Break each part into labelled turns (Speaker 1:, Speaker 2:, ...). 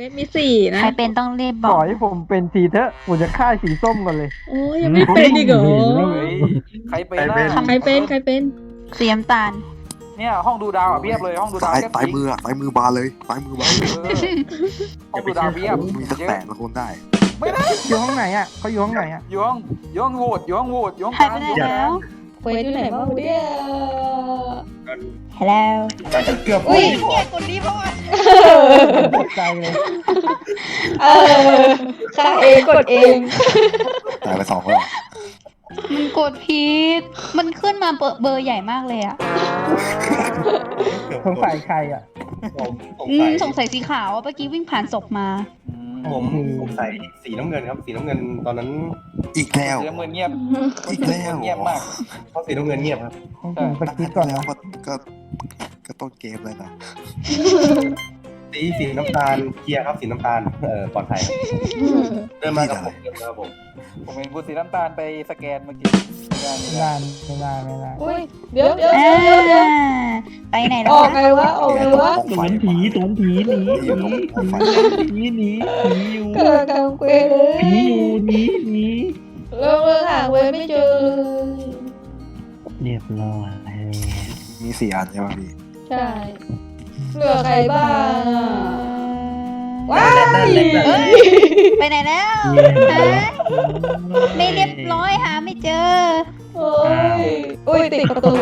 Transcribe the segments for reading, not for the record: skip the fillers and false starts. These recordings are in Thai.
Speaker 1: วทมีสี่นะ
Speaker 2: ใครเป็นต้องรีบบบ อ
Speaker 3: อก กให้ผมเป็นสีเถอะผมจะฆ่าสีส้มก่อนเลย
Speaker 1: โอ้ยยังไม่เป็นอีกเหรอ
Speaker 4: เฮ้ยใครเป็นล่ะ
Speaker 1: ใครเป็นใครเป็น
Speaker 2: สีน้ำตาล
Speaker 4: เนี่ยห้องดูดาวอ่ะเพียบเลยห้องดูดาว
Speaker 5: ซ้าย
Speaker 4: เพียบ
Speaker 5: ซ้าย
Speaker 4: จริง
Speaker 5: มืออะซ้ายมือบานเลยซ้ายมือบานเลย
Speaker 4: เออห้องดูดาวเพียบ
Speaker 5: มีสัก8 คนได้
Speaker 4: ไม่ได้
Speaker 3: อยู่ห้องไหนอ่ะเขาอยู่ห้องไหนอ่ะ
Speaker 4: อยู่ห้องโหวตอยู่ห้องโหวตอยู่ห้อง
Speaker 2: ใคร
Speaker 4: กลาง
Speaker 2: ไปไหนแล้ว
Speaker 1: เควสอยู่ไหนบ้างเนี่ย
Speaker 2: ฮัลโหล
Speaker 6: เกือบ
Speaker 1: อุ้ย
Speaker 2: เนี่ยคนนี้เพราะว่า
Speaker 3: ตกใจเลย
Speaker 1: เออฆ่าเองกดเอง
Speaker 5: ตายไป2แล้ว
Speaker 2: มันกดผิดมันขึ้นมาเบอร์ใหญ่มากเลยอ่ะ
Speaker 3: สงสัยใครอ่ะ
Speaker 6: ผมสง
Speaker 2: อื
Speaker 6: สั
Speaker 2: ม
Speaker 6: ย
Speaker 2: สงสัยสีขาวอะเมื่อกี้วิ่งผ่านศพมา
Speaker 6: ผมสงสัยสีน้ำเงินครับ สีน้ำเงินตอนนั้น
Speaker 5: อีกแล้ว
Speaker 4: เสียงเหมือนเงียบ
Speaker 5: อีกแล้ว
Speaker 4: เงียบมาก
Speaker 6: เพราะสีน้ำเงินเงียบครับ
Speaker 3: ต้องผมสกิปก่อน
Speaker 5: แล้ว
Speaker 3: นะ
Speaker 5: ก็ต้นเกมเลยนะ
Speaker 6: สีน้ำตาลเคลียร์ครับสีน้ำตาลปลอดภัยเดินมากับผมเดินมากับผม
Speaker 4: ผมเห็นคุณสีน้ำตาลไปสแกนเมื่อกี้ไม่
Speaker 3: ไม่
Speaker 4: ได้
Speaker 3: ได้ไม่ได้
Speaker 1: อุ้ยเดี๋ยว
Speaker 2: อ่าไปไหนแล้
Speaker 1: อ
Speaker 2: ว
Speaker 1: อก
Speaker 2: คะ
Speaker 1: ไงวะออกไงวะ
Speaker 5: ไฟผีหนีผีหนี
Speaker 1: กำลังกำเควสเลย
Speaker 3: ผีอยู่นี้นี้
Speaker 1: เริ่มหาเควสไม่เจอเลย
Speaker 3: เรียบร้อย
Speaker 5: มี4 อันใช่ไหมพี่
Speaker 1: ใช่เหลือใครบ้างอะว้าย
Speaker 2: เอ้ยไปไหนแล้วฮะไม่เรียบร้อยหาไม่เจอ
Speaker 1: โอ้ยอุ้ยติดประตู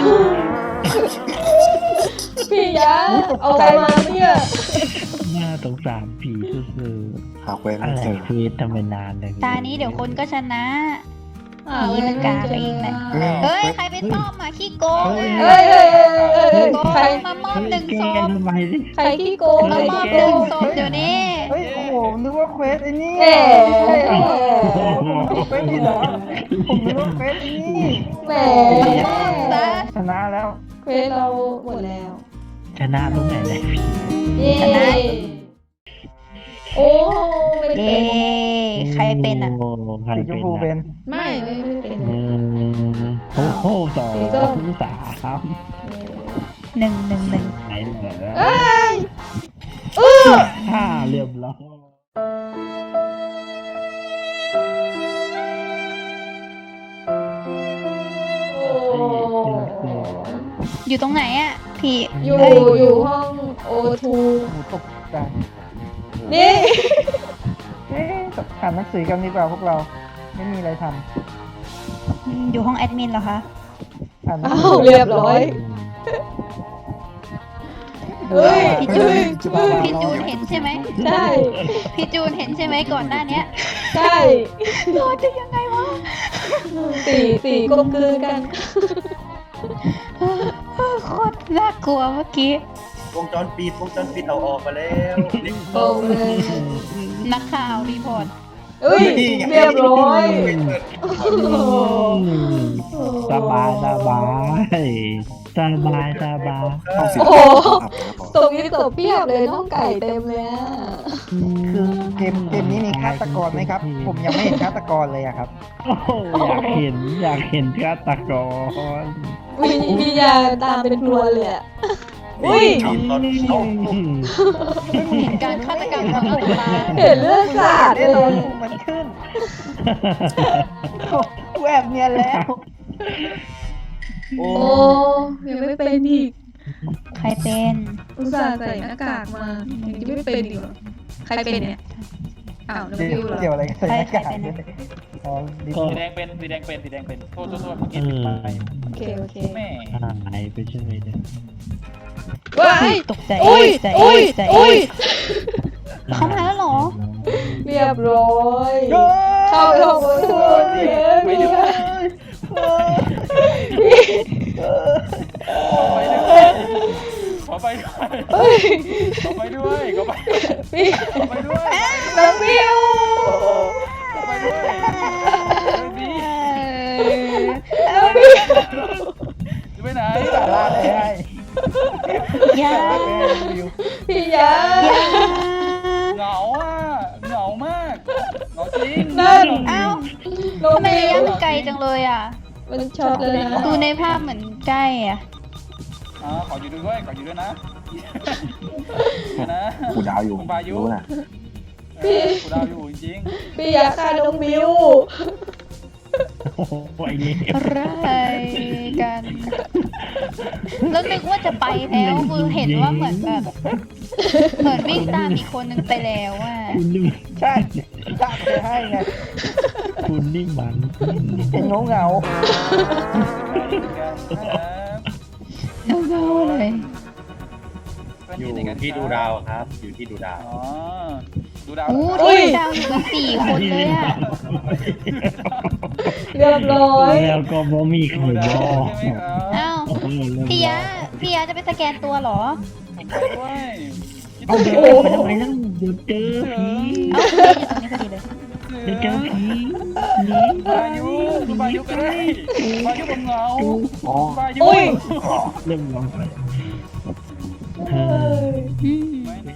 Speaker 1: พี่ยะเอาอะไรมาเนี่ย
Speaker 7: น่าสงสารผีสุด
Speaker 5: หาเควส
Speaker 7: ๆ
Speaker 5: ไม่
Speaker 7: อะไร
Speaker 5: เจอ
Speaker 7: เควสทำไมนานเลย
Speaker 2: ตานี้เดี๋ยวคนก็ชนะ
Speaker 1: หา
Speaker 2: ผีมันกาไปอีกนะ เฮ้ย ใครไปต้อมมาขี้โกง
Speaker 1: เฮ้ยเฮ้ยเฮ้ย
Speaker 2: โก
Speaker 1: ใครง
Speaker 2: มามอบหนึ่ง
Speaker 7: แก
Speaker 2: ศพ
Speaker 7: ทำไมดิ
Speaker 1: ใครขี้โกง
Speaker 2: มามอบหนึ่งศพเดี๋ยวนี้
Speaker 3: เฮ้ยโอ้โหนึกว่าเควสไอ้นี่
Speaker 1: แหม
Speaker 3: เควสผิดเหรอผมนึกว่าเควสไอ้นี่
Speaker 1: แหม
Speaker 2: ซะ
Speaker 3: ชนะแล้ว
Speaker 1: เควสเราหมดแล้ว
Speaker 7: ชนะตรงไหนเลย
Speaker 1: เย้โอ้ไม่
Speaker 2: เย้
Speaker 1: เป็น
Speaker 2: ใครเป็นอ่ะ
Speaker 7: โอ้ใคร
Speaker 3: สีชม
Speaker 7: เป็น
Speaker 3: พู
Speaker 7: อะ
Speaker 3: เป็น
Speaker 1: ไม่เป็น
Speaker 7: โอ้โหสอง
Speaker 1: สีส้ม
Speaker 7: สาม
Speaker 2: หนึ่ง
Speaker 7: ไหนเหรอ
Speaker 1: เอ้ย
Speaker 7: ห้าเรียบร้อย
Speaker 1: โอ้
Speaker 2: อยู่ตรงไหนอ่ะ พี่
Speaker 1: อยู่
Speaker 2: เอ้ย
Speaker 1: อยู่ห้องโอทู
Speaker 3: หมูตกใจ
Speaker 1: นี่
Speaker 3: เอ๊ะอ่านหนังสือกันดีกว่าพวกเรา ไม่มีอะไรท
Speaker 2: อยู่ห้องแอดมินเหรอคะ
Speaker 3: ำอ่านหนัง
Speaker 1: อ้า
Speaker 3: สื
Speaker 1: ว
Speaker 3: อ
Speaker 1: เรียบร้อยเฮ้ย
Speaker 2: พี่จูนพี่จูนเห็นใช่ไหม
Speaker 1: ใช่
Speaker 2: พี่จูนเห็นใช่ไหมก่อนหน้าเนี้ย
Speaker 1: ใช่
Speaker 2: รอดได้ยังไงวะ
Speaker 1: สี่กลมกลืนกัน
Speaker 2: โคตรน่ากลัวเมื่อกี้
Speaker 6: วงจรปิดเอาออกมาแล้ว
Speaker 1: ตรงเลย
Speaker 2: นักข่าวรีพอร์ต
Speaker 1: เอ้ยเรียบร้อย
Speaker 7: สบายสบายสบายสบาย
Speaker 5: ห้องสี
Speaker 1: โอ้โห
Speaker 5: ครับครับ
Speaker 1: ตรงนี้ตบเพียบเลยน้องไก่เต็มเลยอะ
Speaker 3: คือเกมนี้มีฆาตกรไหมครับ ผมยังไม่เห็นฆาตกรเลยอะครับ
Speaker 7: โอ้โหอยากเห็นฆาตกร
Speaker 1: มียาตามเป็นพรวนเลยอะอุ้ย
Speaker 6: ตอนเอ้า
Speaker 2: เห็นการฆาตกรรมของอัลตา
Speaker 1: เห็นเลือดสาด
Speaker 3: ได้
Speaker 1: เล
Speaker 3: รอย ดูมันขึ้นแวบเนียนแล้ว
Speaker 6: โอ้
Speaker 1: โอ้ยังไม่เป็นอีก
Speaker 2: ใครเป็น
Speaker 1: อุตส่าห์ใส่หน้ากากมายังจะไม่เป็นอีกเหรอใครเป็นเนี่ยอ้าวแล้วฟิวเหรอ
Speaker 3: เกี่ยวอะไรกับใส่หน้ากากด้วยอ๋อดิ
Speaker 4: สีแดงเป็นโทษเมื่อกี้ปิดไป
Speaker 1: โอเคโอเค
Speaker 4: แม่
Speaker 7: หายไปเฉยเลย
Speaker 1: ว้าย
Speaker 2: ตกใจ
Speaker 1: อุ้ย
Speaker 2: ตกใจ
Speaker 1: อุ้ย
Speaker 2: ตกใจ
Speaker 1: อุ้ย
Speaker 2: เขามาแล้วเหรอ
Speaker 1: เรียบร้อยเข้าไปห้องโอทูไม่ได้
Speaker 4: ขอไปด้วย
Speaker 1: เฮ้ย
Speaker 4: ขอไปด้วยขอไป
Speaker 1: พี่
Speaker 4: ขอไปด้วย
Speaker 1: น้องฟิว
Speaker 4: ขอไปด้วยดี
Speaker 1: น้องฟิว
Speaker 4: จะไปไหน
Speaker 3: สาระเลยให้
Speaker 2: ยา
Speaker 1: พี่ยา
Speaker 4: เหงาอ่ะเหงามากเหงาจริง
Speaker 1: นั่น
Speaker 2: เอ้า
Speaker 1: น้อง
Speaker 2: ทำไม
Speaker 1: ฟิว
Speaker 2: ระยะมันไกลจังเลยอ่ะ
Speaker 1: มันช็อตเลยนะ
Speaker 2: ดูในภาพเหมือนใกล้อ่ะ
Speaker 4: อขออยู่ด้วยขออยู่ด้วยนะนะ
Speaker 5: กูดาวอยู่
Speaker 4: คุณพายุ
Speaker 5: รู้นะ
Speaker 4: กูดาวอยู่จริง
Speaker 1: พี่อยากฆ่าน้องบิว
Speaker 7: โอ้โหไอ้นี่
Speaker 2: อะไรกันแล้วนึกว่าจะไปแล้วคือเห็นว่าเหมือนแบบเหมือนวิ่งตามอีกคนนึงไปแล้วอ่ะ
Speaker 7: คุณนี่
Speaker 3: ใช่จ้าไปให้ไง
Speaker 7: คุณนี่มัน
Speaker 3: เป็นเหงา
Speaker 2: เงาๆเลย
Speaker 6: อยู่ที่ดูดาวครับ อยู่ที่ดูดาว
Speaker 4: อ๋อดูดาว
Speaker 2: อู้ที่ดาวอยู่กัน4 คนเลยอ่ะ
Speaker 1: เรียบร้อย
Speaker 7: แล้วก็บ่มีใคร
Speaker 4: ดู
Speaker 7: บ
Speaker 4: ดา
Speaker 7: อ
Speaker 4: ว
Speaker 7: ก
Speaker 4: ใช่ไหมครับ
Speaker 2: อ้าว
Speaker 7: โอ้โห
Speaker 2: พี่ยะจะไปสแกนตัวเหรอ
Speaker 4: ผมไปด้วย
Speaker 7: เอาเดี๋ยวไปทำไมนั่งเดี๋ยวเจอผี
Speaker 2: เอ้าอยู่ตรงนี้พอดีเลย
Speaker 7: เดี๋ยวเจอผีหนี
Speaker 4: พายุดูพายุกันเลยพายุผมเหงา
Speaker 5: อ๋อ
Speaker 4: พายุ
Speaker 1: อุ้ย
Speaker 7: เริ่มร้องไปเธอ
Speaker 2: อืม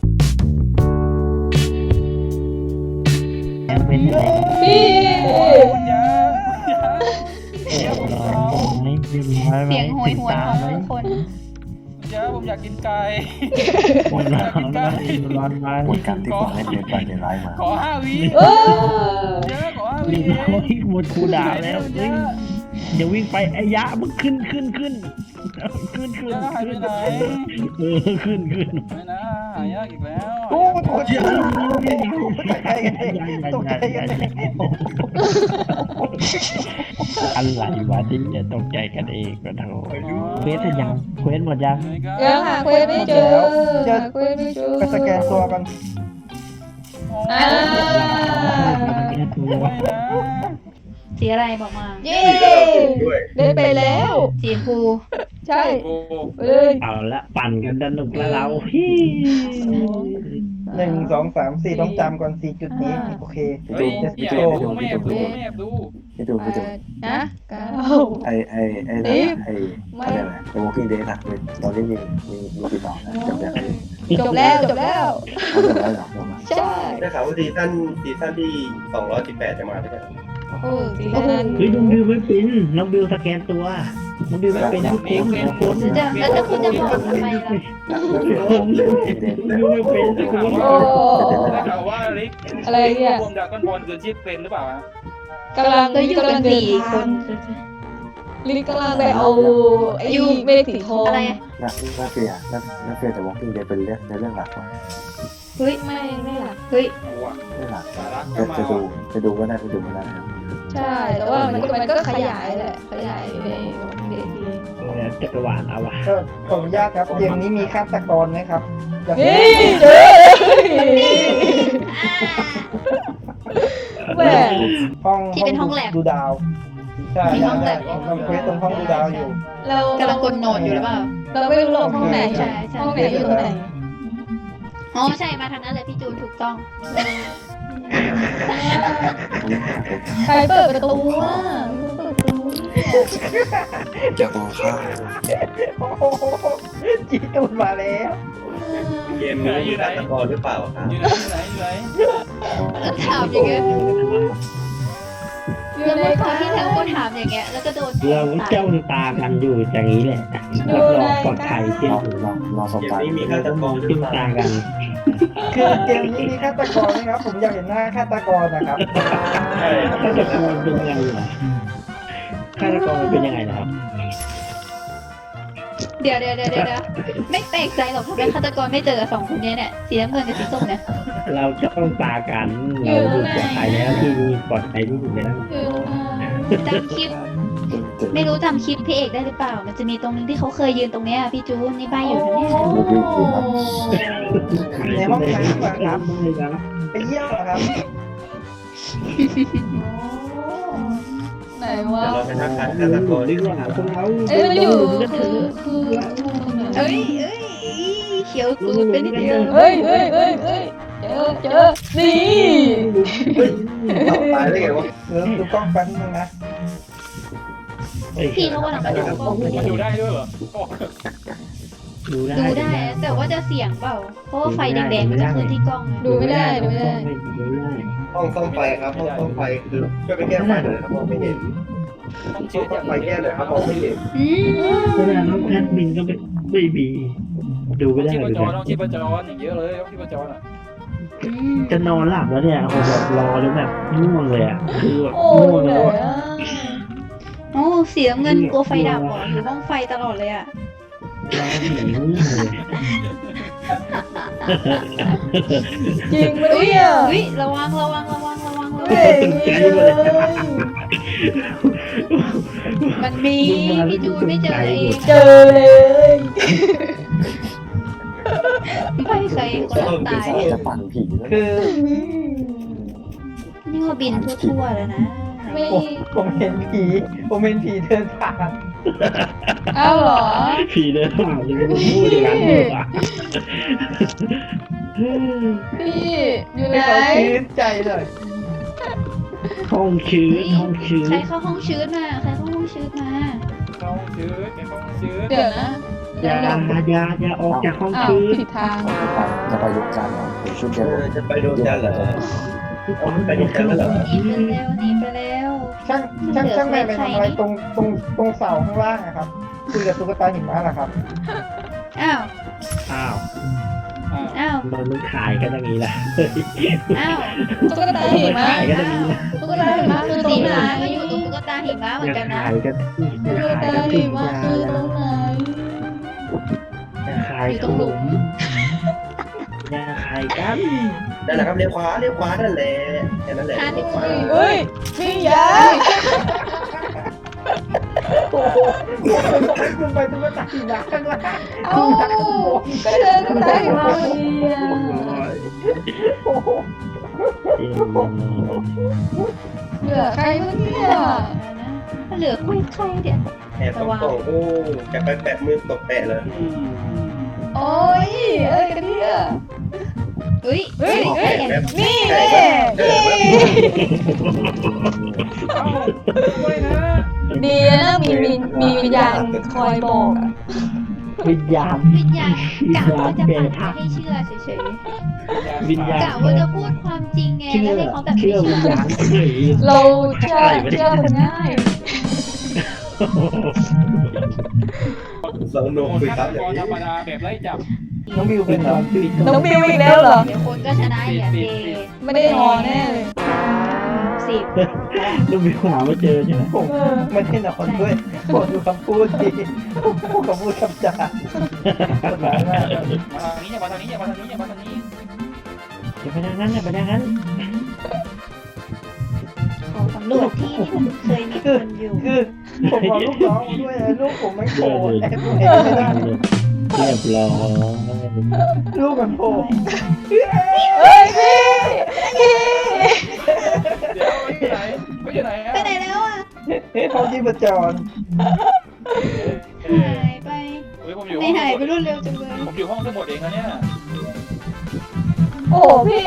Speaker 7: ยังเป็นอะไร
Speaker 1: พี่
Speaker 4: คุณยา
Speaker 7: เรียบร้อยไหมเรียบร้อยไหม
Speaker 2: เสียงโหยหวนของ
Speaker 7: ไหม
Speaker 2: ผู้คน
Speaker 4: ยาผมอยากกินไก่
Speaker 7: หมดแล้วร้อนไหม
Speaker 5: หมดการที่ผมให้เดินไปเดินไล่มา
Speaker 4: ขอ5 วิ
Speaker 1: เออ
Speaker 4: เยอะขอ5
Speaker 7: เรี
Speaker 4: วิ
Speaker 7: ยบร้อยหมดคูด่าแล้วเฮ้ยอย่าวิ่งไปไอ้ยะมันขึ้นขึ้นขึ้น
Speaker 4: ยาหายไปไหน
Speaker 7: ขึ้น
Speaker 4: ไม่นะหายากอีกแล้ว
Speaker 3: ๆโอ้โหตกใจกันเองตกใจกันเอง
Speaker 7: อะไรวะที่จะตกใจกันเองก็โถเควสยังเควสหมดยัง
Speaker 1: ยังหาเควสไม่เจอหาเควสไม่เจอ
Speaker 3: ไปสแกนตัวกัน
Speaker 1: อ่า
Speaker 4: ไม่นะ
Speaker 2: สีอะไรบอกมา
Speaker 1: เย้ได้ไปแล้ว
Speaker 2: สีชมพู
Speaker 1: ใช่
Speaker 4: โอ้
Speaker 1: ไปเลย
Speaker 7: เอาละปั่นกันสนุกแล้วเราพี่
Speaker 3: 1 2 3 4ต้องจำก่อน4จุดนี้โอเค
Speaker 4: เฮ้ยพี่แอบดูไม่แอบดูไม่แอบดู
Speaker 5: พี่ดูพี่ดู
Speaker 1: นะเก้า
Speaker 5: ไอ้นั่นน่ะไอ้อะไรนะไอ้ Walking Dead อะตอนนี้มีกี่ต่อนะจำได้ไหม
Speaker 1: จบแล้วจบแล้ว
Speaker 5: เขาจำได้หรอจำได้
Speaker 1: ใช่
Speaker 6: ได้ข่าวว่าซีซั่นที่218จะมาใช่ไหม
Speaker 1: โอ้สีนั้น
Speaker 7: เฮ้ยน้องบิวไม่เป็นน้องบิวสแกนตัวน้องบิวไม่เป็นทุกคนทุกคน
Speaker 2: แล้วจะคุณจะบอกทำไมล่ะ
Speaker 7: ผมน้องบิวไม่เป็นทุกคน
Speaker 1: โอ้
Speaker 4: ได้ข่าวว่าลิก
Speaker 1: อะไรเนี่ย
Speaker 4: รวมดราก้อนบอลคือชีพเป็นหรือเปล่าฮะ
Speaker 1: กำลัง
Speaker 2: ก็อยู่กัน
Speaker 1: เดิ
Speaker 2: 4 คน
Speaker 1: ลิกกำลังไปเอาไอ้เมฆสีทอง
Speaker 2: อะไร
Speaker 5: น่าเฟียแต่ Walking Dead เป็นเรื่องในเรื่องหลักว่ะ
Speaker 2: เฮ้ย
Speaker 1: ไม่หลัก
Speaker 2: เฮ้ย
Speaker 5: เรื่องหลัก
Speaker 4: สาระก็มา
Speaker 5: จะดูก็ได้ไม่ดูก็ได้ครับ
Speaker 1: ใช่แต่ว่ามันก็ขยายแหละขยายในเด็กดี
Speaker 7: จักรวาลเอาวะ
Speaker 3: ก็ขออนุญาตครับเกมนี้มีฆาตกรไหมครับอยาก
Speaker 1: นี่
Speaker 3: เห็น
Speaker 1: เด้อแหม
Speaker 2: ที่เป็นห้องแลบ
Speaker 3: ดูดาวใช่
Speaker 2: มีห้องแลบ
Speaker 3: ผมทำเควสตรงห้องดูดาวอยู่
Speaker 1: เรา
Speaker 2: กำลังกดโหนดอยู่หรือเปล่า
Speaker 1: เราไม่รู้หรอกห้องไหน
Speaker 2: ใช่ใช่
Speaker 1: ห้องไหนอยู่ตรงไหน
Speaker 2: อ๋อใช่มาทางนั้นเลยพี่จูนถูกต้อง
Speaker 1: ใครเปิดประตูอ่ะเปิดประตู
Speaker 5: จะมองข้าม
Speaker 3: โอ้โหจีตูนมาแล้ว
Speaker 6: เกมนี้มีฆาตกรหรือเปล่าครับ
Speaker 4: อยู่ไหน
Speaker 2: แล้วถามอย่างเงี้ย
Speaker 1: อยู่
Speaker 2: แล้ว
Speaker 1: ใน
Speaker 2: เมื่อค
Speaker 1: ค
Speaker 2: ราว
Speaker 1: รั้
Speaker 2: ที่แล้วก็ถามอย่างเงี้ยแล้วก็โดน
Speaker 7: เราจ้องตากันอยู่อย่างนี้แหละรับรองปลอดภัยเที่ยว
Speaker 5: รอสบ
Speaker 6: เกม
Speaker 5: ตา
Speaker 6: นี้มีฆาตกรหรือ
Speaker 7: จิ้ม
Speaker 6: เปล่า
Speaker 7: ตากัน
Speaker 3: คือเกมนี้มีฆาตกรไหมครับ ผมอยากเห็นหน้าฆาตกรนะครับ
Speaker 7: ฆาตกรเป็นยังไงเหรอฆาตกรเป็นยังไงนะครับ
Speaker 2: เดี๋ยวไม่แปลกใจหรอกทำไมฆาตกรไม่เจอกับ2 คนนี้เนี่ยสีน้ำเงินกับสีส้มเนี่ย
Speaker 7: เราจ้องตากันเราดูปลอดภัยแล้วที่นี่ปลอดภัยที่สุดแล้ว
Speaker 2: จำคลิป ไม่รู้จำคลิปพี่เอกได้หรือเปล่า มันจะมีตรงนึงที่เขาเคยยืนตรงเนี้ยพี่จูนนี่ใบอยู่นะเนี่ย
Speaker 3: ในห้องน้ำอะครับ ไปเยี่ยมเหรอครับ
Speaker 1: ไหนวะ
Speaker 6: เดี๋ยวเราไปทักทายฆาตกรดีกว่า
Speaker 1: เอ้ยมันอยู่คือ
Speaker 2: เอ้ยเขียวตูดไปนิดเดียว
Speaker 1: เฮ้ยเจอนี่
Speaker 6: ตายได้ไงวะ
Speaker 3: เริ่มดูกล้องแป๊บนึงนะ
Speaker 2: พี่เขากำลังไปดูกล้องพอดี
Speaker 4: มันอยู่ได้ด้วยเหรอโอ้
Speaker 7: ดูได้
Speaker 2: ดูได้แต่ว่าจะเสียงเปล่า เพราะว่าไฟแดงๆมันจะขึ้นที่กล้องไง
Speaker 1: ดูไม่ได้
Speaker 6: ห้องซ่อมไฟครับห้องซ่อมไฟคือช่วยไปแก้ไฟหน่อยนะครับมองไม่เห็น
Speaker 4: ต้อง
Speaker 6: ช่
Speaker 4: เชื่
Speaker 6: ว
Speaker 4: อย
Speaker 6: ไปแก้หน่อยครับมองไม่เห็น
Speaker 2: อืม
Speaker 7: แสดงว่าแอดมินก็ไม่มีดูไม่ได้
Speaker 4: ชีพ
Speaker 7: เลย
Speaker 4: จรต้องชีพจรอย่างเยอะเลยต้องชีพจรอ่ะ
Speaker 2: อืม
Speaker 7: จะนอนหลับแล้วเนี่ยผมแบบรอแล้วแบบง่วงเลยอ่ะคือแบบ
Speaker 1: โอ้
Speaker 7: ง่วง
Speaker 1: เห
Speaker 7: แล้
Speaker 1: นื่
Speaker 7: ว
Speaker 1: อย
Speaker 7: อะ
Speaker 1: อ่ะ
Speaker 2: โอ้สีน้ำเงินกลัวไฟดับเหรออยู่ห้องไฟตลอดเลยอ่ะ
Speaker 7: รอผีง่วงเลย
Speaker 1: จริงไหมเนี่ย
Speaker 2: อุ้ยระวัง
Speaker 1: เฮ้ยเลย
Speaker 2: มันมีพี่จูนไม่เจอเอง
Speaker 1: เจอเลย
Speaker 2: ไม่ใครคนละตาย
Speaker 5: จะปั่นผีแล้ว
Speaker 3: คือ
Speaker 2: นี่ว่าบินทั่วๆแล้วนะ
Speaker 1: ไม่
Speaker 3: ผมเห็นผีเดินผ่าน
Speaker 1: เอ้าเหรอ
Speaker 7: ผีเดินผ่านเลยพูดอย่างนั้นเลยอ่ะ
Speaker 1: พี่อยู่ไหน
Speaker 3: ให้เขาชื้นใจเลย
Speaker 7: ห้องชื้นห้องชื้น
Speaker 2: ใครเข้าห้องชื้นมาใครเข้าห้องชื้นมา
Speaker 4: ต้องชื้นต้องชื้น
Speaker 1: เดี๋ยวนะ
Speaker 7: อย่าออกจากห้อง
Speaker 1: อ้าว
Speaker 7: ชื้น
Speaker 1: ผิดทาง
Speaker 5: จะไปลุกจันทร์ผมช่วยแก
Speaker 6: จะไปโดนจันเหรอไปโดนจันเหรอ
Speaker 2: หนีไปแล้ว
Speaker 3: ช่างแม่ไปทำอะไรตรงเสาข้างล่างอะครับคุยกับตุ๊กตาหิมะเหรอครับ
Speaker 2: อ้าว
Speaker 7: อ้าว
Speaker 2: อ้าว
Speaker 7: มันขายกันอย่างนี้แหละ
Speaker 2: อ้าว
Speaker 1: ตุ๊กตาหิมะ
Speaker 7: ขายกันอย่างนี้แหละ
Speaker 1: ตุ๊กตาหิมะคือตร
Speaker 2: สี
Speaker 1: งไหน
Speaker 2: ฟ้าก็อยู่ตรงตุ๊กตาหิมะเหมือนกันนะ
Speaker 7: ขายกัน
Speaker 1: ตุ๊กตาหิมะคือตรงไหน
Speaker 7: ขายขนมอย่าขายกัน
Speaker 6: นั่นแหละครับเลี้ยวขวานั่นแหละแค่นั้นแหละ
Speaker 1: เฮ้ยพี่ยา
Speaker 3: โอ้โหคุณไปตุ๊กตาหิมะข้างล่าง
Speaker 1: เอ้าก็เดินตุ๊กตาหิมะพอดีอ่ะ
Speaker 3: โอ้โห
Speaker 1: เหลือใครบ้างเนี่ย
Speaker 2: เหลือคุยใครเดี๋ยว
Speaker 6: แอบตกโอ้จะไปแปะมือตกแปะเลย
Speaker 1: โอ้ยอะไรกันเนี่ย
Speaker 2: อุ้ยเฮ้ย
Speaker 1: นี่
Speaker 6: แปะ
Speaker 1: แน่
Speaker 4: ด้วยนะ
Speaker 1: ดีนะมีวิญญาณคอยบอกอะ
Speaker 7: วิญญาณ
Speaker 2: วิญญาณกะว่าจะปั่นให้เชื่อเฉย
Speaker 7: วิญญาณ
Speaker 2: ๆกะว่าจะพูดความจริงไงแล้วให้เขาแบบไม่
Speaker 7: เชื่อวิญ
Speaker 2: เชื่อ
Speaker 7: ญาณเฉย
Speaker 1: เราเชื่อคนง่าย
Speaker 6: สนุก
Speaker 4: คน
Speaker 6: คุย
Speaker 4: ฆา
Speaker 6: ค
Speaker 4: ต
Speaker 6: รับ
Speaker 4: กรธรรมดาแบบไล่จับ
Speaker 3: น้องบิวเป็นน้องบิว
Speaker 1: น้องบิวอีกแล้วเหรอ
Speaker 2: เดี๋ยวคนก็ชนะอย่างเด
Speaker 1: ไม่ได้นอนแน่เลย
Speaker 2: สิบ
Speaker 7: ลูกบิวหาไม่เจอใช่ไหม
Speaker 3: ผมไม่ได้นอนด้วยผมดูคำพูดดีคำพูดคำจาคนร้ายมาก
Speaker 4: มาทางนี้อย่ามาทางนี้อย่ามาทางนี้อย่ามาทางนี้
Speaker 7: อย่าไปทางนั้นอย่าไปทางนั้น
Speaker 2: ขอสำรวจที่ที่มันเคยมีคนอยู่
Speaker 3: คือผมเอาลูกน้องมาด้วยนะลูกผมไม่โผล่แต่ผมเห็นไม่ได้
Speaker 7: เรียบร้อย
Speaker 3: ลูกมันโผล่
Speaker 1: เฮ้ยพี่
Speaker 4: เดี๋ยวอยู่ไหนเขาอยู่ไหนอ่ะ
Speaker 2: ไปไหนแล้วอ่ะ
Speaker 3: เขาที่ประจร
Speaker 2: หายไป
Speaker 4: เฮ้ยผมอยู่
Speaker 2: ไม่หายไปรวดเร็วจังเลย
Speaker 4: ผมอยู่ห้องสมุดเองนะเนี่ย
Speaker 1: โอ้พี่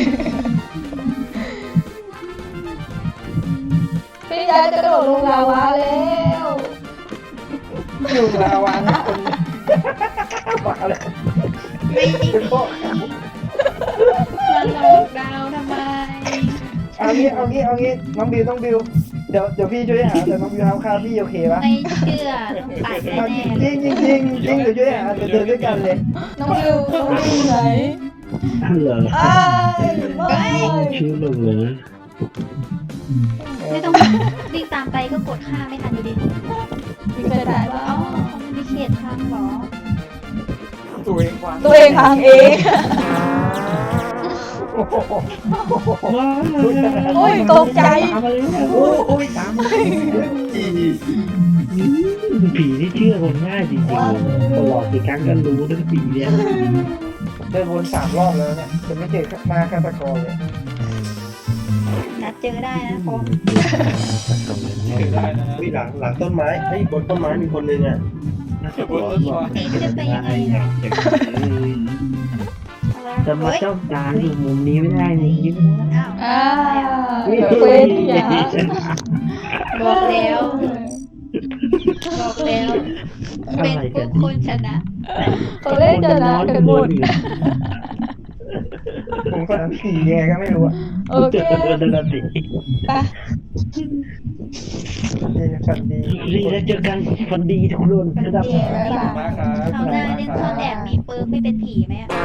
Speaker 1: พี่ยาจะกระโดดลงลาวาแล้ว
Speaker 3: อยู่ลาวานะคนมาเลย
Speaker 2: ไม่จริง
Speaker 3: เป็นพ่อ
Speaker 2: มาหลอกดาวทำไม
Speaker 3: เอางี้น้องบิวเดี๋ยวพี่ช่วยหาแต่น้องบิวห้ามฆ่าพี่โอเคปะ
Speaker 2: ไม่เชื่อต้องตัดแน่ๆ
Speaker 3: จริงเดี๋ยวช่วยหาเดี๋ยวเดินด้วยกันเลย
Speaker 1: น้องบิวไหน
Speaker 7: เหรอ
Speaker 1: อ้ายไม่
Speaker 7: ชื่อลุงเลย
Speaker 2: ไม่ต้องวิ่งตามไปก็กดฆ่าไม่ทันอยู่ดี
Speaker 1: มีใครได้บ้า
Speaker 2: อ๋อง เขาไม่ได้เขตทางเหรอ
Speaker 4: ตัวเองวาง
Speaker 1: ตัวเองพังเอง
Speaker 3: โอ้โห
Speaker 1: โอ้ยตกใจ
Speaker 3: โอ้ยตาม
Speaker 7: ผีที่เชื่อคนง่ายจริงๆคนหลอกกี่ครั้งก็รู้ทั้งปีเนี่ย
Speaker 3: เดินวน3 รอบแล้วเนี่ยจะไม่เจอหน้าฆาตกรเลย
Speaker 2: นัดเจอได้นะคอม
Speaker 4: ถือได้นะ
Speaker 6: วิ่งหลังต้นไม้เฮ้ยบนต้นไม้มีคนนึงอ่ะ
Speaker 4: บนต้นไม้
Speaker 2: เห็นจะไปยังไงเนี่ยอะไร
Speaker 7: จะมา
Speaker 2: เฮ้ย
Speaker 7: จ้องตาอยู่มุมนี้ไม่ได้มุมนี้ไม่ได้
Speaker 2: อ้าว
Speaker 1: อ้าวเควสอย่า
Speaker 2: บอกแล้วเป็นพวกคนชนะ
Speaker 1: เขาเล่นจะนะกันหมด
Speaker 3: ผมก็ผีแย่ก็ไม่รู้อะ
Speaker 1: โอเค
Speaker 7: เจอกันแล้วสิ
Speaker 1: ไป
Speaker 3: คนดี
Speaker 7: ดีแล้วเจอกันคนดีทุกคน
Speaker 2: เดี๋ยว
Speaker 4: ขอบคุณมากครับ
Speaker 2: เขาวหน้าเล่นซ่อนแอบมีปืนไม่เป็นผีไหมอะ